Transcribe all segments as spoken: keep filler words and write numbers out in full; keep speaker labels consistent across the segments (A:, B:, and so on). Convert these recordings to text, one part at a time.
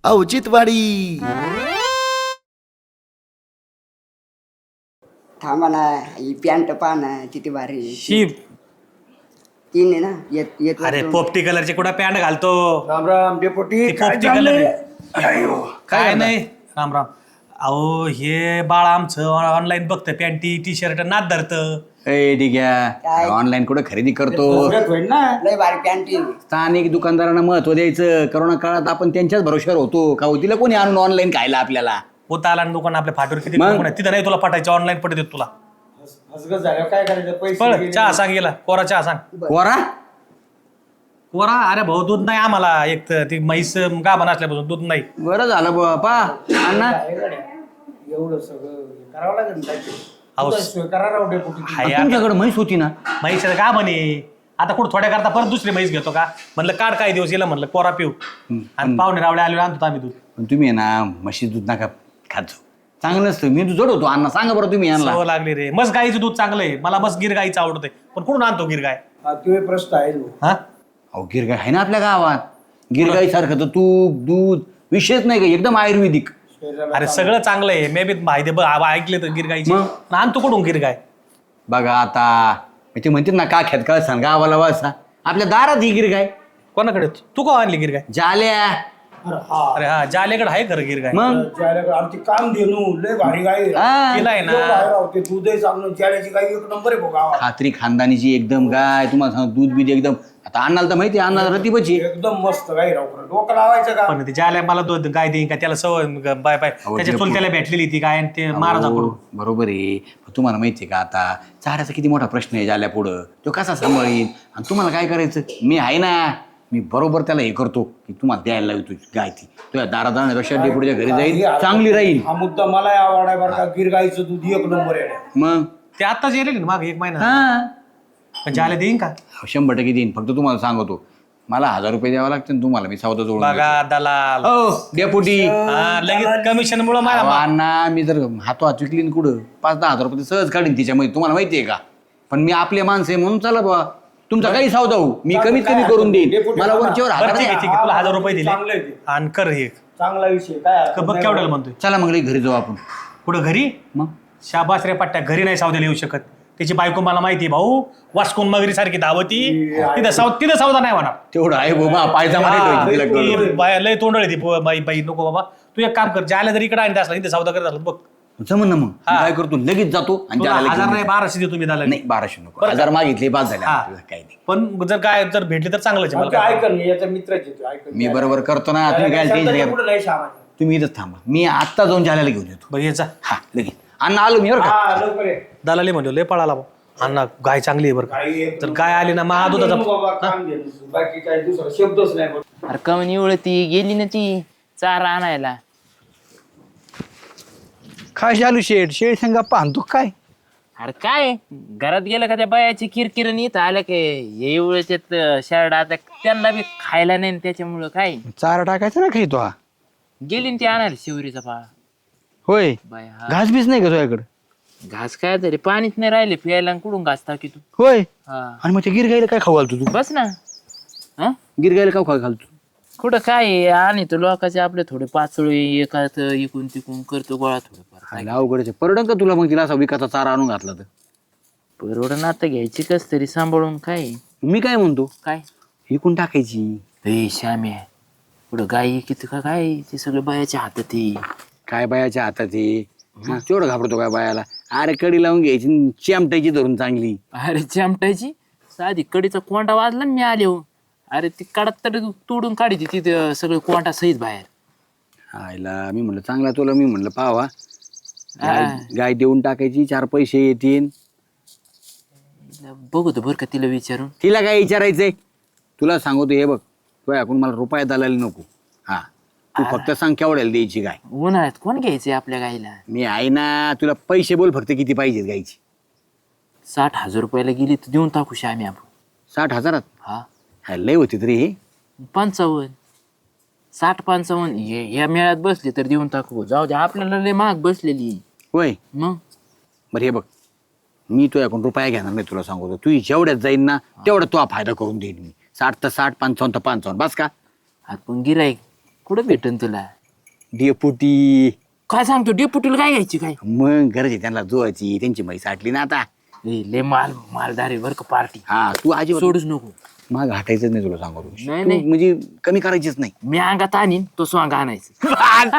A: औचित्यवाडी.
B: थांबा ना, ही पॅन्ट पहा ना किती भारी आहे.
C: शिप
B: तीन आहे ना, येत येत
C: अरे पोपटी कलरची कुठं पॅन्ट घालतो.
D: राम राम डेपुटी.
C: ती
D: काय
C: पोपटी कलर
D: चाललंय?
C: आहे.
D: अयो,
C: काय नाही राम राम. अहो हे बाळ आमचं ऑनलाईन बघतं पॅन्टी टी शर्ट नाद धरतं.
E: ए ठीक
B: काय?
E: आहे ऑनलाईन कुठं खरेदी करतो.
D: फुगत होईल ना.
B: लय भारी पॅन्ट आहे.
E: स्थानिक दुकानदारांना महत्व द्यायचं. करोना काळात आपण त्यांच्याच भरोश्यावर होतो का हो, तिला कोणी आणून ऑनलाईन खायला आपल्याला.
C: होता आला दुकान आपल्या फाटीवर किती
E: मग?
C: दुकान आहे. तिथं नाही तुला पटायचं ऑनलाईन पटत तुला.
D: हसगत झाल्यावर काय करायचं? पैसे
C: पळ
D: गेले.
C: चहा सांग गेला कोरा चहा सांग.
E: कोरा
C: कोरा अरे भाऊ दूध नाही आम्हाला. एक तर ती म्हैस गाभण असल्यापासून दूध नाही.
E: बरं झालं बापा अण्णा.
D: काय गड्या? एवढं सगळं करावं लागेल ना काहीतरी.
C: अहो,
D: तुझा सोय करा राव डेपुटी.
C: हाय आता
E: तुमच्याकडे म्हैस होती ना.
C: म्हैस का म्हणे आता कुठं थोड्या करता परत दुसरी म्हैस घेतो का म्हणलं काढ काही दिवस येईल म्हणलं कोरा पिऊ आणि पाहुणे रावळे आले आणतो आम्ही दूध.
E: पण तुम्ही आहे ना म्हशी दूध नका खात जाऊ. चांगलं नसतं. मी जड होतो अण्णा. सांगा बरं तुम्ही यांना.
C: सवय लागली रे. मस्त गाईचं दूध चांगलं आहे. मला मस्त गिर गाईचं आवडतंय पण कुठून आणतो गिर गाय.
D: हा, तो एक प्रश्न आहे भाऊ.
C: हा
E: अहो गिरगाय आहे ना आपल्या गावात. गिरगाई सारखं तर तूप दूध विषयच नाही का. एकदम आयुर्वेदिक.
D: शरीराला
C: अरे सगळं चांगलं आहे. मे बी माहिती बघ ऐकले तर गिर गाईची
E: मग?
C: आणतो कुठून गिर गाय.
E: बघा आता ते म्हणतात ना का खेत का सांग गावाला वासा आपल्या दारात ही गिरगाय.
C: कोणाकडे तू का आणली गिर गाय.
E: जाल्या.
D: अरे हा.
C: अरे हा जालेकडे आहे खरं गिर गाय.
E: मग
D: ज्याला आमची काम देणू लय भारी गाय आहे.
E: हा.
C: तिला आहे
D: एवढं
C: ना
D: आहे राव, ते दूधही चांगलं. ज्याची गाय एक नंबर आहे भाऊ गावात.
E: खात्री खानदानीची एकदम गाय. तुम्हाला सांग दूध बीज एकदम. आता अन्नाला तर माहिती आहे अन्नाला रतीबची.
D: एकदम मस्त गाय राव. खरं. डोकं लावायचं का?
C: पण ते जाल्या मला दूध गाय देईन का त्याला सवय ग- बाय बाय
E: अहो,
C: त्याच्या
E: ते
C: चुलत्याला भेटलेली ती गाय आणि ते महाराजाकडून.
E: बरोबर आहे. पण तुम्हाला माहिती आहे का आता चाऱ्याचा किती मोठा प्रश्न आहे जाल्या पुढं. तो कसा सांभाळीन आणि तुम्हाला काय करायचं. मी आहे ना. मी बरोबर त्याला हे करतो की तुम्हाला द्यायला लावतो गाय ती. तुझ्या दारात जाण्यापेक्षा डेपुटीच्या घरी जाईल चांगली राहील.
D: हा मुद्दा मला आवडाय बरं का. गिर गाईचं दूध एक नंबर आहे.
E: मग
C: ते आताच येईल ना मागे एक महिना
E: हा
C: पण जाल्या देईन का.
E: शंभर टक्के देईन. फक्त तुम्हाला सांगतो मला हजार रुपये द्यावं लागतील तुम्हाला. मी सौदा जोडून
C: बघा दलाल.
E: हो डेपुटी.
C: हा, लगेच कमिशन मुळे मला मा-
E: अण्णा मी जर हातो हात विकली न कुठं पाच दहा हजार रुपये सहज काढीन तिच्यामध्ये. तुम्हाला माहिती आहे का. पण मी आपले माणसं आहे म्हणून चला बा तुमचा काही सौदा हो मी कमीत कमी करून देईन. मला वरच्यावर
C: बरं
E: हजार
C: ठीक आहे ठीक आहे तुला हजार रुपये दिले
D: चांगलं आहे ते.
C: आणि कर हे
D: चांगला विषय काय हरकत
C: बघ
D: नाही
C: केवढ्याला म्हणतोय.
E: चला मग लई घरी जाऊ आपण.
C: पुढं घरी
E: मग
C: शाबास रे पट्ट्या घरी नाही सावद्याला येऊ शकत. त्याची बायको मला माहिती आहे भाऊ वास्कोन मगरी सारखी धावती तिथं साव तिथं सावधा नाही म्हणा.
E: तेवढं आहे बाबा पायजमा नाही ठेवायची तिला कळलं.
C: ती बाय- लय तोंडळ ती पो- बाई बाई नको बाबा तू एक काम कर ज्याला जर इकडे आणि असला इथे सौदा करत असला बघ
E: जमन ना मग. मी
C: हा.
E: काय करतो लगेच जातो आणि
C: तुला
E: त्याला
C: हजार
E: लगेच
C: नाही
E: देतो.
C: बाराशे देतो मी त्याला
E: नाही बाराशे नको.
C: बरं का?
E: हजार मागितले पाच झाले
C: हा.
E: आपल्याला, काही नाही.
C: पण जर काय जर भेटली तर चांगलंच आहे. मला
D: आमचं
C: काय
D: ऐकन याचा मित्रच येतो ऐकन.
E: मी बरोबर करतो ना. तुम्ही काय टेन्शन घ्या.
D: पुढे नाही सामान.
E: तुम्ही इथंच थांबा. मी आत्ता जाऊन जाल्याला घेऊन येतो.
C: बघ याचा
E: हा लगेच अण्णा आलो मी बरं का.
D: हा लवकर ये.
C: दलाली म्हणलो लय पळाला भाऊ. अण्णा गाय चांगली आहे बरं का.
D: गाई एक
C: तर गाय आली ना मग
D: काम देणू
C: दुधाचा
D: बाबा, काम देणू. बाकी काय दुसरा शब्दच नाही बघ.
F: अरे कमन एवढं गेली ना ती चारा आणायला.
G: काय चालू शेड शेड संगा पाहतो काय.
F: अरे काय घरात गेलं का त्या बायाची किरकिर इथं आलं की हे एवढ्याच्यात शर्ट आता त्यांना बी खायला नाही न त्याच्यामुळं काय
G: चारा टाकायचा ना खाई तो हा.
F: गेली न ती आणायला शिवरीचा पाळा.
G: होय
F: बाय हा
G: घास बीस नाही का तुझ्याकडे.
F: घास काय तरी पाणीच नाही राहिले प्यायला न कुठून घास टाकी तू.
G: होय
F: हा
G: आणि मग ते गिर गायला काय खाऊ घालतो तू.
F: बस ना. हा
E: गिरगायला का खाऊ घालतो.
F: कुठं काय आहे? आणि तो लोकांचे आपले थोडे पाचोळे एकात इकून तिकून करतो गोळा थोडंफार.
E: खायला अवघडच आहे. परवडन का तुला मग तिला असा विकाचा चारा आणून घातला तर.
F: परवडून आता घ्यायची कस तरी सांभाळून काय
E: मी काय म्हणतो
F: काय
E: विकून टाकायची.
F: हे श्याम्या पुढं गाई किती का काय ते सगळं बायाच्या हातात आहे.
E: काय बायाच्या हातात आहे. हा, तेवढं घाबरतो काय बायाला. अरे कडी लावून घ्यायची न चिमटायची धरून चांगली.
F: अरे चिमटायची साधी कडीचा कोंडा वाजला न मी आले हो. अरे ती काढत तरी तोडून काढी तिथे सगळं कोंडा सहित बाहेर.
E: आयला मी म्हणलं चांगला तुला मी म्हणलं पावा गाय
F: हा.
E: गाय देऊन टाकायची चार पैसे येतील.
F: बघतो बरं का तिला विचारून.
E: तिला काय विचारायचंय तुला सांगतो हे बघ तू ऐकून मला रुपये दलाली नको. हा तू फक्त सांग केवढ्याला द्यायची गाय.
F: उन्हाळ्यात कोण घ्यायचंय आपल्या गाईला.
E: मी आहे ना. तुला पैसे बोल फक्त किती पाहिजेत गायची.
F: साठ हजार रुपयाला गेली तर देऊन टाकू श्याम्या आपण.
E: साठ हजारात
F: हा
E: हा, लय होती तरी हे.
F: पंचावन्न साठ पंचावन्न हे ह्या मेळ्यात बसली तर देऊन टाकू. जाऊ दे आपल्याला लय महाग बसलेली.
E: होय
F: मग
E: बरं हे बघ मी तो ऐकून रुपया घेणार नाही तुला सांगतो. तू जेवढ्यात जाईन ना तेवढा तो फायदा करून देईन मी. साठ तर साठ पंचावन्न तर पंचावन्न बस का.
F: हात पण गिराईक कुठं भेटन तुला.
E: डेपुटी
F: काय सांगतो डेपुटीला काय घ्यायची काय
E: मग गरज आहे त्यांना जोवायची, त्यांची म्हैस साठली ना आता.
F: ए, लय माल मालदारी बर का पार्टी
E: हा तू आजी
F: सोडूच नको.
E: मग हटायचंच नाही तुला सांगतो.
F: नाही,
E: तू
F: नाही.
E: म्हणजे कमी करायचीच नाही.
F: मी अंगात आणीन तो स्वांग आणायचं.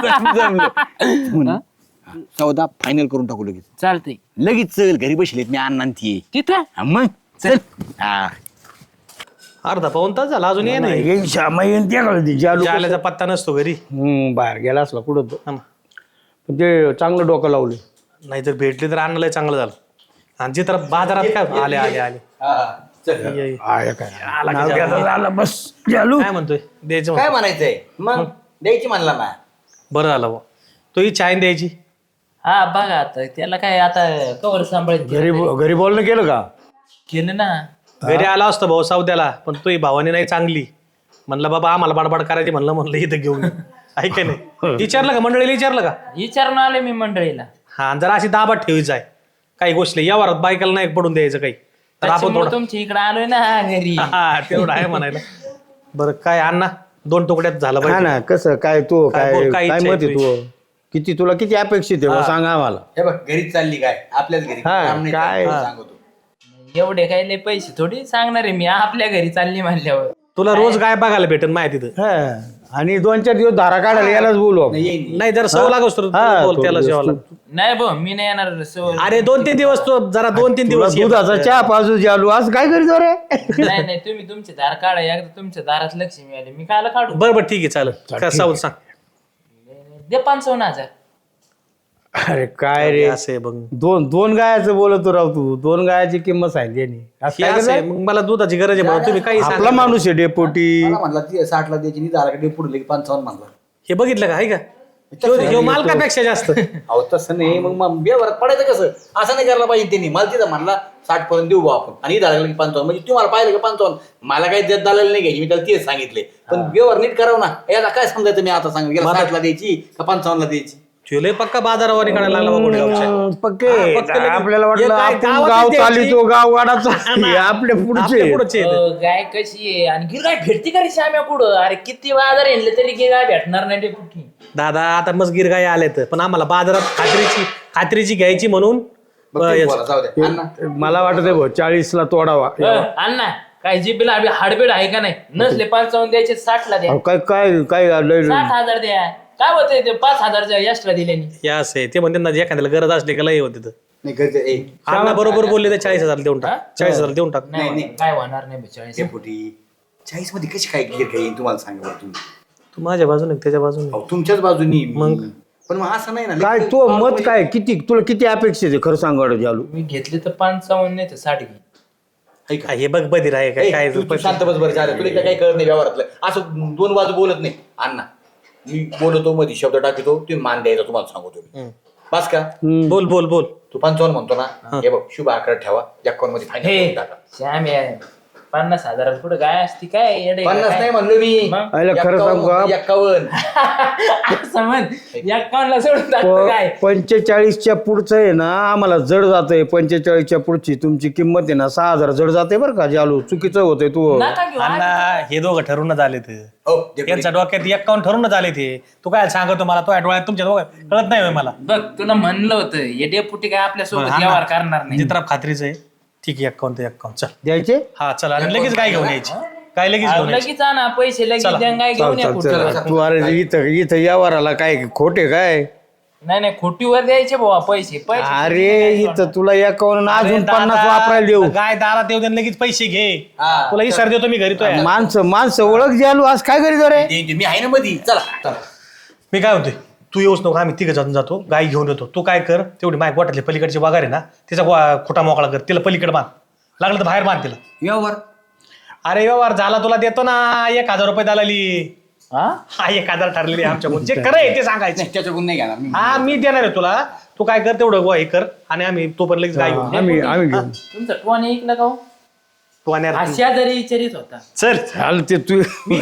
E: म्हणून सौदा फायनल करून टाकू लगेच.
F: चालतंय
E: लगेच चल, घरी बसलेत मी अण्णा आणि ती.
F: तिथं
E: हा, मग चल. हा
C: अर्धा पाऊन तास झाला अजून ये नाही.
D: येईन श्यामा येईन त्या कळते जालू
C: जाल्याचा पत्ता नसतो घरी.
D: हम्म, बाहेर गेला असला कुठं तो.
C: हा ना.
D: पण ते चांगलं डोकं लावलं.
C: नाही जर भेटली तर आणलंय चांगलं झालं. आणि जे तर बाजारात काय आले आले आले ये, ये.
D: आहे काय नाव घ्यायचं झालं बस जालू.
C: काय म्हणतोय द्यायचं
E: काय
C: म्हणतो.
E: म्हणायचंय मग द्यायची म्हणला ना.
C: बरं झालं बुवा. तो ही चायन द्यायची.
F: हा बघा आता त्याला काय आता कवर सांभाळत
D: घरी घरी बोलणं केलं का?
F: केलं ना.
C: घरी आला असतो भाऊ सावद्याला, पण तो ही भावानी नाही चांगली. म्हणलं बाबा आम्हाला बडबड करायची, म्हणलं म्हणलं इथं घेऊन ये. ऐक नाही विचारलं का मंडळीला, विचारलं का?
F: विचारून आले मी मंडळीला.
C: हा जरा अशी दाबात ठेवायची आहे काही गोष्टी यावर बायकाला नाही पडून द्यायचं काही. तर आपण
F: त्याच्यामुळे
C: थोडं
F: तुमच्या इकडे आलोय ना घरी.
C: हा तेवढं आहे म्हणायला. बरं काय अण्णा दोन तुकड्यात झालं
D: हा
C: पाहिजे.
D: ना कसं काय तू
C: काय
D: काय
C: बोल, काय
D: काय
C: इच्छा
D: मत
C: आहे
D: आहे तू? किती तुला किती अपेक्षित आहे बुवा, सांग आम्हाला.
E: हे बघ घरीच चालली काय आपल्याच घरी
D: हा,
E: काम नाही
D: काय?
E: चाललं, सांगतो.
F: एवढे काय लय पैसे थोडी सांगणार आहे मी आपल्या घरी चालली म्हणल्यावर.
C: तुला रोज काय बघायला भेटेल माहिती तिथं.
D: हा. आणि दोन चार दिवस धारा काढायला यालाच बोलू आपण.
E: नाही, येईन.
C: नाही जर सव लागस तर
D: हा,
C: बोल त्याला
D: थोडं
C: जेवायला.
F: नाही भाऊ मी नाही येणार सवय.
C: अरे दोन तीन दिवस तो जरा दोन तीन
D: तुला
C: दिवस ये.
D: दुधाचा चहा पाजू जालू आज काय करीत रे?
F: नाही नाही तुम्ही तुमचे दार काढा एकदा तुमच्या दारात लक्ष्मी आली मी कायला काढू.
C: बरं बरं ठीक आहे चालेल. काय सावध सांग.
F: दे पंचावन्न हजार.
D: अरे काय रे
C: असं आहे बघ.
D: दोन दोन गायाचं बोलतो राव तू. दोन गायाची किंमत सांगितली यांनी. आज
C: हे
D: काय
C: असं आहे,
D: करणार?
C: मग मला दुधाची गरज आहे म्हणून तुम्ही काही
D: आपला
C: सांगा.
D: माणूस आहे डेपोटी.
E: मला म्हणला ती साठला द्यायची नाही झाला पुढे पंचावन्न म्हणला.
C: हे बघितलं का आहे का ह्यो- ह्यो मालकापेक्षा जास्त.
E: अहो तसं नाही मग मग व्यवहारात पडायचं कसं असं नाही करायला पाहिजे त्यांनी. मला तिथं म्हणला साठ पर्यंत देऊ बा आपण आणि झालं की पंचावन्न म्हणजे तुम्हाला पाहिलं का पंचावन्न मला काही देत झालेलं नाही घ्यायची मी त्याला तेच सांगितले. पण व्यवहार नीट करावं ना. याला काय समजायचं मी आता सांग गेला साठला द्यायची का पंचावन्नला द्यायची.
C: तुला पक्का बाजारावर काढायला लागला बा गुडगावच्या.
D: पक्के
C: हा, पक्के लगेच.
D: आपल्याला
C: हे
D: वाटलं
C: काय
D: आपण
C: गावातच
D: गाव
C: द्यायची?
D: चालितो गाव वाडाचा हे आपले पुढचे
C: आपल्या पुढचे आहेत.
F: अ, गाय कशी आहे आणि गिर गाय भेटती का रे श्याम्या कुठं. अरे किती बाजार येणले तरी गिर गाय भेटणार नाही ते कुठे.
C: दादा आता मग गिरगाई आलेत पण आम्हाला बाजारात खात्रीची खात्रीची घ्यायची म्हणून
E: बघ
C: अं,
E: तुम्ही
C: याचं-
E: बोला, जाऊ द्या. अण्णा,
D: मला वाटत आहे भाऊ चाळीसला तोडावा.
F: अण्णा काय जीबीला आपली हाडबीड आहे का नाही नसले पंचावन्न द्यायचे साठला द्या.
D: अहो, काय काय काय लय-
F: साठ हजार द्या. काय होतंय ते पाच हजारच्या एक्स्ट्रा दिल्याने.
C: हे असं आहे ते म्हणते ना एखाद्याला गरज असली का लय होते.
E: नाही घरचं ए,
C: अण्णा बरोबर बोलले तर चाळीस हजार देऊन टाक. चाळीस हजार देऊन टाक.
F: नाही होणार, काय होणार नाही बेचाळीस.
E: डेपुटी चाळीस मध्ये कशी काय गिर काय येईल तुम्हाला सांगा बरं तुम्ही.
C: तू माझ्या बाजूने त्याच्या बाजूने.
E: अहो, तुमच्याच बाजूनी
C: मग?
E: पण मग असं नाही ना.
D: काय तो मत काय किती तुला किती अपेक्षित आहे खरं सांग वाटत जालू.
F: मी घेतले तर पंचावन्न नाही तर साठ घे.
E: ऐका.
C: हे बघ बधीर आहे काय
E: ए,
C: काय
E: तू- तू शांत बस बरं झालं तुला इकडे काही कळत नाही व्यवहारातलं. असं दोन बाजू बोलत नाही. अण्णा मी बोलतो मध्ये शब्द टाकतो तुम्ही मान द्यायचा तुम्हाला सांगतो मी. बस का
C: बोल बोल बोल.
E: तू पंचावन्न म्हणतो ना हे बघ शुभ आकार ठेवा अकाउंट मध्ये
F: हे
E: फायनल टाका.
F: श्याम आहे पन्नास हजार पुढे गाय असती काय येडे का
E: पन्नास
F: काय?
E: नाही म्हणलो मी
F: मग?
D: आयला खरं सांगू का?
E: एक्कावन्न.
F: असं म्हण एकावन्नला सोडून टाकतो काय.
D: पंचेचाळीसच्या पुढचं आहे ना आम्हाला जड जातंय. पंचेचाळीसच्या पुढची तुमची किंमत आहे ना सहा हजार जड जाते बरं का जालू. चुकीचं होतंय तू.
F: नका घेऊ.
C: अण्णा हे दोघं ठरूनच आले ते.
E: हो डेपुटी.
C: यांच्या डोक्यात एक्कावन्न ठरूनच आले ते. तू काय सांगतो मला तो डोळ्यात तुमच्या दोघं कळत नाही होय मला.
F: बघ तुला म्हणलं होतं हे डेपुटी काय आपल्या सोबत व्यवहार करणार नाही.
C: जित्रा खात्रीच आहे. ठीक आहे एक्कावन्न ते एक्कावन्न चल.
D: द्यायचे
C: हा चल आणि लगेच काय घेऊन यायची काय लगेच
F: अहो,
C: घेऊन यायची.
F: लगेच आणा पैसे लगेच
C: चला.
F: द्या, काय घेऊन या
D: चल, चल,
F: कुठं.
D: चल. तू अरे इथं इथं यावराला काय खोटे काय
F: नाही नाही खोटीवर द्यायचे भावा पैसे पैसे
D: अरे इथं तुला एकावन्न
C: अरे
D: अजून
C: दादा,
D: पन्नास वापरायला देऊ.
C: गाय दारात येऊ दे आणि लगेच पैसे घे.
E: हा.
C: तुला इसर देतो मी घरी तो आहे.
D: माणसं माणसं ओळख जालू आज काय करीत रे.
E: दे- दे, मी आहे ना मध्ये चला चला.
C: मी काय म्हणतोय तू येऊच नको आम्ही तिघ जाऊन जातो गाय घेऊन येतो. तू काय कर तेवढी माय गोठातली पलीकडची वाघार आहे ना तिचा गो- खोटा मोकळा कर तिला पलीकडे बांध लागलं तर बाहेर बांध तिला.
E: व्यवहार
C: अरे व्यवहार झाला तुला देतो ना एक हजार रुपये दलाली.
F: हा?
C: हा एक हजार ठरलेली आहे आमच्या जे खरं आहे ते सांगायचं.
E: नाही त्याच्याकडून नाही घेणार मी.
C: हा मी देणार आहे तुला. तू काय कर तेवढं गो हे कर आणि आम्ही तो पण लगेच गाय घेऊन येऊ.
D: आम्ही आम्ही घेऊ.
F: तुमचा टोन ऐकला का हो?
C: तू आणि
F: हा
C: यार-
F: शेजारी विचारित होता.
C: चल
D: चाल ते तू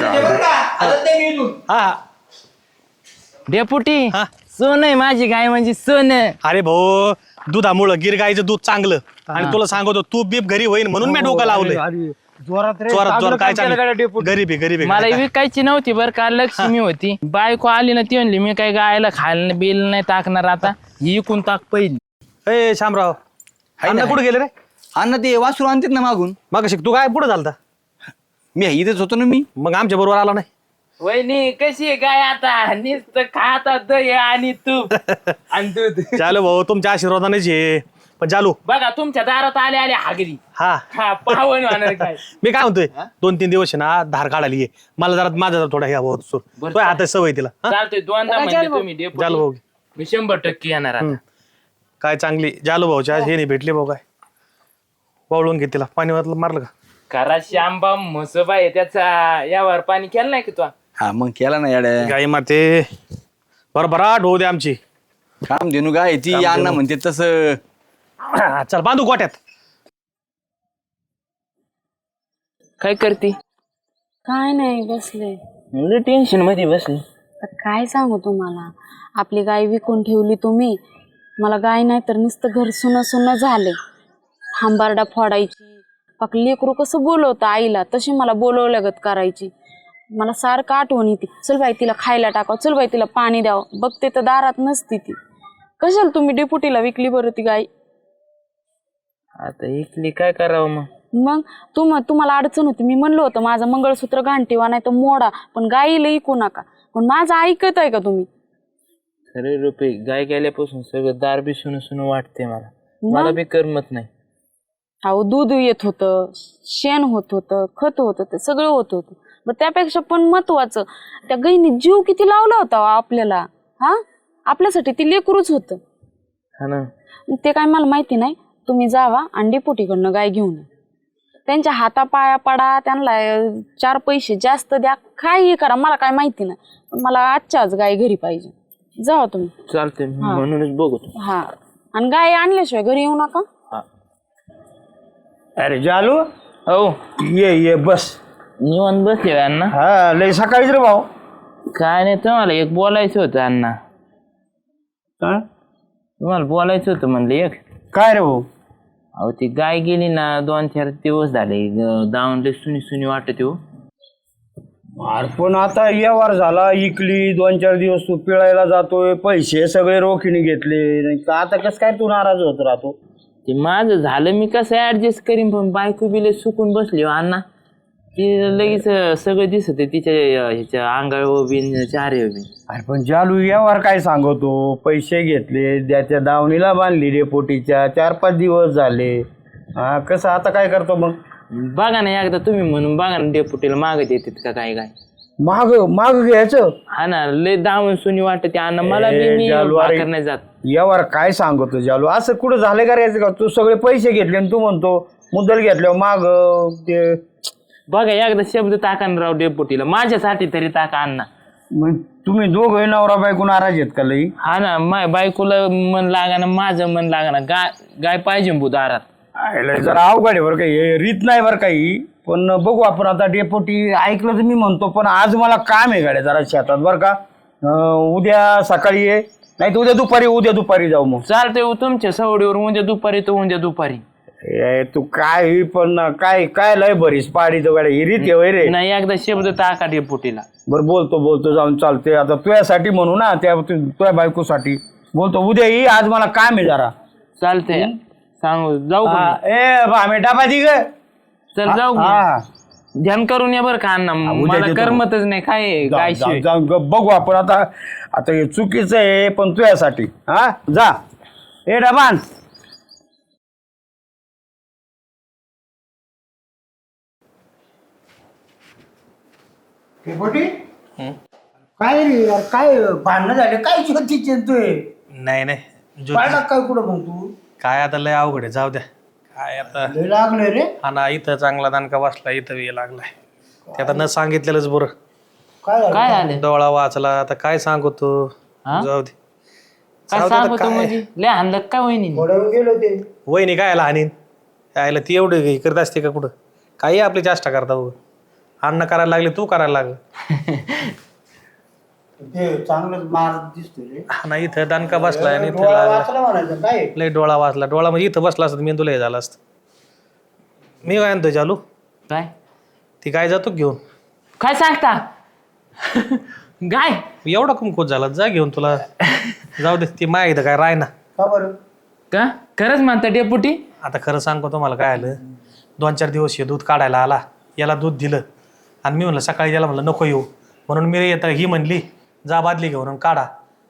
C: हा
F: डेपुटी
C: हा.
F: सोन आहे माझी गाय म्हणजे सोन.
C: अरे भाऊ दुधामुळं गिर गायचं दूध चांगलं आणि तुला सांगतो तूप बीप घरी होईल म्हणून मी डोकं लावलंय.
D: अरे, जोरात रे,
C: चोरात
D: चांगलं
C: चोर काय
D: काम केलं गाड्या
C: चालू
D: डेपुटी.
C: गरीब आहे गरीब आहे
F: मला
C: काय-
F: विकायची नव्हती बरं का, लक्ष्मी होती. बायको आली ना ती म्हणली मी काय गायला खायला बिल नाही टाकणार आता, ही इकून टाक पहिली.
C: ए शामराव अण्णा कुठे गेले रे
E: अण्णा ते वासरू आणतात ना मागून.
C: मग तू काय पुढे झालता
E: मी इथेच होतो ना मी.
C: मग आमच्या बरोबर आला नाही
F: वहिनी कशी आहे गाय आता, नुसतं खाता दही आणि तूप आणि दूध.
C: चालू भाऊ तुमच्या आशीर्वादानेच ये पण चालू
F: बघा तुमच्या दारात आले आले हागरी,
C: हा
F: हा पावन होणार काय.
C: मी काय म्हणतोय दोन तीन दिवस आहे ना धार काढायला ये मला जरा माझा जरा थोडा ह्या भाऊ सूर
F: बरं,
C: तो हातात सवय तिला हा?
F: चालतोय दोनदा म्हणजे तुम्ही डेपुटी.
C: जालू भाऊ
F: मी शंभर टक्के येणार आता.
C: काय चांगली जालू भाऊच्या हे नाही भेटले भाऊ काय वाळून घे तिला पाणी वाटलं मारलं का
F: खरा श्यामबा म्हसोबाई त्याचा यावर पाणी केलं नाही की तू.
E: हा मग केला ना याड्या.
C: गाई माते बरोबराट होऊ दे आमची
E: काम देणू गाय ती अण्णा म्हणते तसं.
C: चल बांधू गोट्यात
F: काय करते?
A: काय नाही बसले.
F: टेन्शन मध्ये बसली.
A: तर काय सांगू तुम्हाला, आपली गाय विकून ठेवली तुम्ही. मला गाय नाही तर नुसतं घर सुनं सुनं झाले. हांबारडा फोडायची, पाक लेकरू कसं बोलवतं आईला तशी मला बोलवल्यागत करायची. मला सारखं आठवण येते, चल बाई तिला खायला टाकावं, चल बाई तिला पाणी द्यावं. बघते तर दारात नसती ती. कशाला तुम्ही डेपुटीला विकली बरं ती गाय?
F: आता इकली काय करावं मग?
A: मग तुम तुम्हाला अडचण होती, मी म्हणलं होतं माझं मंगळसूत्र घाण ठेवा नाही तर मोडा, पण गाईला ऐकू नका. पण माझं ऐकत आहे का तुम्ही?
F: खरे रुपये गाय गेल्यापासून सगळं दार बी सुन सुन वाटते मला. मला बी करमत नाही.
A: अहो दूध येत होतं, शेण होत होतं, खत होत होतं, सगळं होत होतं. मग त्यापेक्षा पण महत्वाचं त्या गाईने जीव किती लावला होता हो आपल्याला. हा आपल्यासाठी ती लेकरूच होतं.
F: हा ना.
A: ते काय मला माहिती नाही. तुम्ही जावा आणि डेपुटीकडनं गाय घेऊन या. त्यांच्या हातापाया पडा, त्यांना चार पैसे जास्त द्या, काही करा, मला काय माहिती नाही. पण मला आजच्या आज गाय घरी पाहिजे. जावा तुम्ही.
F: चालते म्हणूनच बघतो.
A: हा आणि गाय आणल्याशिवाय घरी येऊ नका.
D: अरे जालू
F: हो
D: ये ये बस.
F: निवांत बसले अण्णा.
D: हा लय सकाळीच रे भाऊ.
F: काय नाही तुम्हाला एक बोलायचं होतं अण्णा.
D: हा?
F: तुम्हाला बोलायचं होतं म्हणलं एक.
D: काय रे भाऊ?
F: अहो ती गाय गेली ना दोन चार दिवस झाले, दावणले सुनी सुनी वाटत हो.
D: अरे पण आता व्यवहार झाला, इकली, दोन चार दिवस तू पिळायला जातोय, पैसे सगळे रोखीने घेतले, नाही तर आता कसं काय तू नाराज होत राहतो?
F: ते माझं झालं मी कसं ऍडजस्ट करीन, पण बायको बिले सुकून बसली हो अण्णा. ती लगेच सगळं दिसत आहे तिच्या ह्याच्या अंगाळ बिन चारे बिन.
D: अरे पण जालू व्यवहार काय सांगतो, पैसे घेतले, त्याच्या दावणीला बांधली रे पोटीच्या, चार पाच दिवस झाले. हा कसं आता काय करतो मग?
F: बघा ना एकदा तुम्ही म्हणून बघा ना डेपुटीला मागत येतात का काय काय.
D: माग माग घ्यायचं.
F: हा ना लय दावण सुनी वाटते अण्णा मला बी.
D: ए,
F: मी
D: जालू, अरे.
F: भाकर नाही जात.
D: यावर काय सांगतो जालू, असं कुठं झालं का रे का? तू सगळे पैसे घेतले आणि तू म्हणतो मुद्दल घेतल्यावर माग ते.
F: बघा एकदा शब्द टाका ना राव डेपुटीला, माझ्यासाठी तरी टाका अण्णा.
D: मग तुम्ही दोघं नवरा बायको नाराज आहेत का लई?
F: हा ना माय बायकोला मन लागा ना माझं मन लागा ना. गाय गाय पाहिजे भू दारात.
D: आयला जरा अवघड आहे बरं काही, हे रीत नाही बरं काही. पण बघू आपण आता. डेपोटी ऐकलं तर मी म्हणतो, पण आज मला काम आहे गाड्या जरा शेतात बरं का. अं, उद्या सकाळी ये, नाही तर उद्या दुपारी उद्या दुपारी जाऊ मग.
F: चालतंय हो, तुमच्या सवडीवर उद्या दुपारी तो उद्या दुपारी.
D: ए, तू काय ही पण काय काय लय बरीस पाडी तर गाड्या, ही रीत आहे होय रे.
F: नाही एकदा शब्द टाका डेपुटीला.
D: बरं बोलतो बोलतो जाऊन चालते. आता तुझ्यासाठी म्हणू ना, त्या तुझ्या बायकोसाठी बोलतो. उद्या ये, आज मला काम आहे जरा.
F: चालतंय सांगू जाऊ का
D: हा,
F: मी?
D: ए भामे टापा दी ग.
F: चल जाऊ का?
D: हा
F: ध्यान करून या बरं का अण्णा,
D: उद्या
F: मला
D: देतो.
F: करमतच नाही काय
D: जाऊ-
F: काय
D: जाऊ- जाऊ ग- बघू आपण आता. आता हे चुकीचं आहे पण तुझ्यासाठी. हा जा ए डबान. काय रे यार, काय भांडणं झाले काय होती चिंतोय?
C: नाही नाही ज्योती,
D: पाहिला काय कुठं मग तू?
C: काय आता लय अवघड आहे जाऊ द्या. काय आता
D: लय लागले रे.
C: हा ना इथं चांगला दणका बसला, इथं ये लागलाय. ते आता न सांगितलेलंच बरं.
D: काय झालं?
F: काय आले
C: डोळा वाचला आता काय सांगू तू.
F: हा?
C: जाऊ दे
F: काय
C: जाऊ दे आता
F: सांगतो
C: काय.
F: म्हणजे लय हाणलं काय वहिनी.
D: थोड्या गेलो ते.
C: वहिनी काय लहानीन यायला ती एवढी हे करत असते का कुठं? काही आपली चेष्टा करता बघ. अन्न करायला लागले तू करायला लागलं.
D: ते चांगलंच मार दिसतोय रे.
C: हा ना इथं दणका बसलाय आणि इथं
D: डोळा
C: लागला.
D: वाचला म्हणायचं काय?
C: लय डोळा वाचला. डोळा म्हणजे इथं बसला असत मेंदूला हे झाला असत. मी काय म्हणतोय चालू
F: काय
C: ती गाय जातो का घेऊन?
F: काय सांगता गाय
C: एवढा कुमकुत झाला, जा घेऊन तुला. जाऊ दे, ती माय काय राय ना.
D: का बरं?
F: का खरंच म्हणता डेपुटी?
C: आता खरं सांगतो तुम्हाला काय आलं, दोन चार दिवस हे दूध काढायला आला, याला दूध दिलं आणि मी म्हणलं सकाळी याला म्हणलं नको येऊ, म्हणून मी येता ही म्हणली जा बादली घेऊन आणि काढा.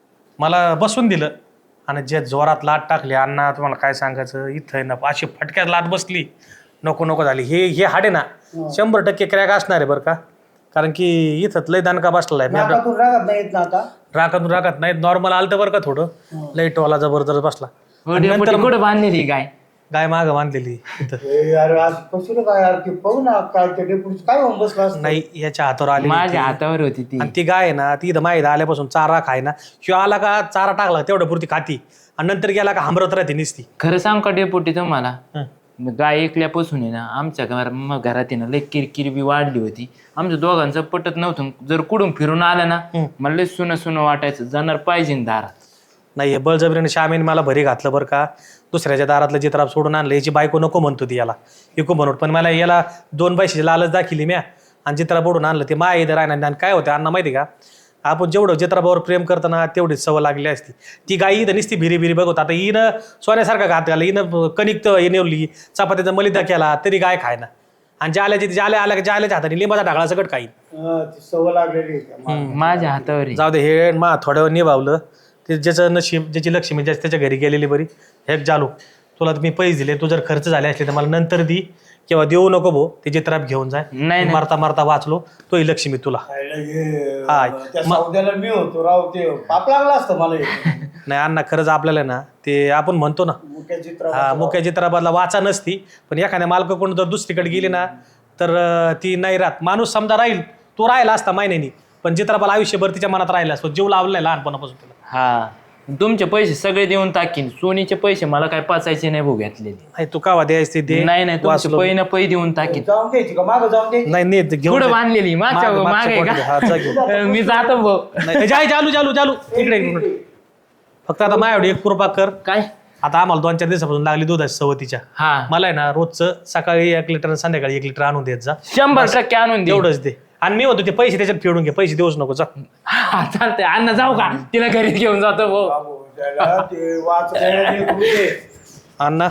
C: मला बसून दिलं आणि जे जोरात लाट टाकली अण्णा, तुम्हाला काय सांगायचं, इथं आहे ना अशी फटक्यात लाट बसली, नको नको झाली. हे हे हाडे ना शंभर टक्के क्रॅक असणार आहे बरं का, कारण की इथं लय दणका बसलेला आहे.
D: नाकातून रागात नाही येत ना आता?
C: राखत राखत नाही, नॉर्मल आलतं बरं का थोडं, लाईटवाला जबरदस्त बसला.
F: हो
C: आणि
F: डेपुटी
C: नंतर
F: कुठं बांधलेली गाय?
C: गाय मागं बांधलेली इथं.
D: ए, अरे आज कसं काय यार, ते पाहू ना काय ते डेपुटी काय होऊन बसला असतं?
C: नाही, याच्या हातावर आली
F: माझ्या हातावर होती ती.
C: आणि ती गाय आहे ना, ती इथं माहीत आल्यापासून चारा खाय ना, शिवाय आला का चारा टाकला तेवढ्या पुरती खाती आणि नंतर गेला का हांबरत राहते निसती.
F: खरं सांग का डेपुटी तुम्हाला,
C: हं.
F: मग गाय ऐकल्यापासून आहे ना आमच्या घर मग घरात आहे ना लई किरकिर बी वाढली होती. आमच्या दोघांचं पटत नव्हतं. जर कुठून फिरून आलं ना मला लई सुनं सुनं वाटायचं, जाणार पाहिजे ना दारात.
C: नाही, हे बळजबरीने श्यामीने मला भरी घातलं बरं का. दुसऱ्याच्या दारातलं चित्राप सोडून आणलं, याची बायको नको म्हणतो ती याला, इको म्हणून. पण मला याला दोन पैशाची लालच दाखिली म्या आणि चित्रा बोडून आणलं. ते माय इथं राहणार. आणि काय होतं अण्णा माहिती का, आपण जेवढं चित्राबावर प्रेम करतो ना तेवढीच सवय लागली असती. ती गाई इथं नुसती भिरी भिरी बघत. आता हिनं सोन्यासारखा घात घाला, हिनं कणिक हे नेवली, चपात्याचा मलिदा केला तरी गाय खाय ना. आणि जाल्याची जाल्या आल्या जाल्याच्या हाताने लिंबाचा ढाकळा सगळं काही.
D: हा, ती सवय लागलेली आहे त्या माणसाला.
F: माझ्या हातावर आहे.
C: जाऊ दे, हे मा थोड्या वेळ निभावलं ते, ज्याचं नशीब ज्याची लक्ष्मी ज्याच्या त्याच्या घरी गेलेली बरी. हे जालू, तुला मी पैसे दिले, तू जर खर्च झाले असले तर मला नंतर दी किंवा देऊ नको भो, ते चित्राप घेऊन जाय.
F: नाही, नाही.
C: मारता मारता वाचलो, तो ही लक्ष्मी तुला.
D: खायला हे,
C: हाय.
D: त्या सौद्याला मी होतो राव, ते पाप लागला असतं मला हे.
C: नाही अण्णा, खरंच आपल्याला ना ते आपण म्हणतो ना,
D: मुख्य चित्र
C: हा मुख्य चित्राबादला वाचा नसती, पण एखाद्या मालक कोण जर दुसरीकडे गेली ना तर अं, ती नाही राहत. माणूस समजा राहील, तो राहिला असता महिन्यानी, पण चित्राबाला आयुष्यभर तिच्या मनात राहिला असतो, जीव लावलाय लहानपणापासून तुला.
F: हा, तुमचे पैसे सगळे देऊन टाकीन. सोनीचे पैसे मला काय पाचायचे नाही भाऊ घेतलेले.
C: नाही, तू कावा द्यायची ते दे.
F: नाही नाही तुमचे
C: वाचलो.
F: पै ना पै देऊन टाकीन.
D: जाऊन द्यायची का मागं जाऊन द्यायची?
C: नाही नाही, ते घेऊन
F: कुठं
C: जा.
F: बांधलेली? मागच्या
C: मागं-
F: मागे
C: मागच्या
F: का?
C: हा, जा घेऊन.
F: मी जातो भाऊ.
C: नाही, जाय चालू चालू चालू इकडे एक मिनिट. फक्त आता माझ्याकडे एक कृपा कर.
F: काय?
C: आता आम्हाला दोन चार दिवसापासून लागली दुधाची सवतीच्या.
F: हा,
C: मला आहे ना रोजचं सकाळी एक लिटर आणि संध्याकाळी एक लिटर आणून देत जा.
F: शंभर टक्के आणून दे.
C: एवढंच दे. आणि मी होतो ते पैसे त्याच्यात फेडून घे, पैसे देऊच नको. जा
F: हा, चालतंय. अण्णा जाऊ का? तिला घरी घेऊन जातो भाऊ.
D: बाबू, त्याला ते वाचायला ते होते.
C: अण्णा,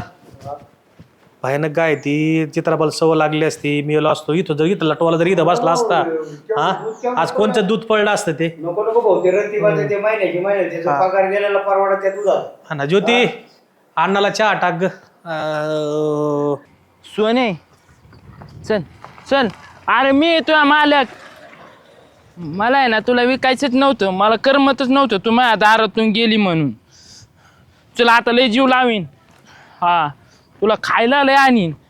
C: भयानक गाय ती, चित्राबाला सवय लागली असती, मी आलो असतो इथं, जर इथं लटवाला जर इथं बसला असता हा, आज कोणतं दूध पडलं असतं ते.
D: नको नको भाऊ, ते रंतीबाचे ते महिन्याची महिन्याची त्याचा पगार गेलेला परवडा त्या तुझा.
C: हा ना, ज्योती अण्णाला चहा टाक ग. अं,
F: सोने चल चल. अरे मी तुझा मालक. मला आहे ना तुला विकायचंच नव्हतं, मला करमतच नव्हतं तू माझ्या दारातून गेली म्हणून. चला आता लय जीव लावीन. हा, तुला खायला लय आणीन.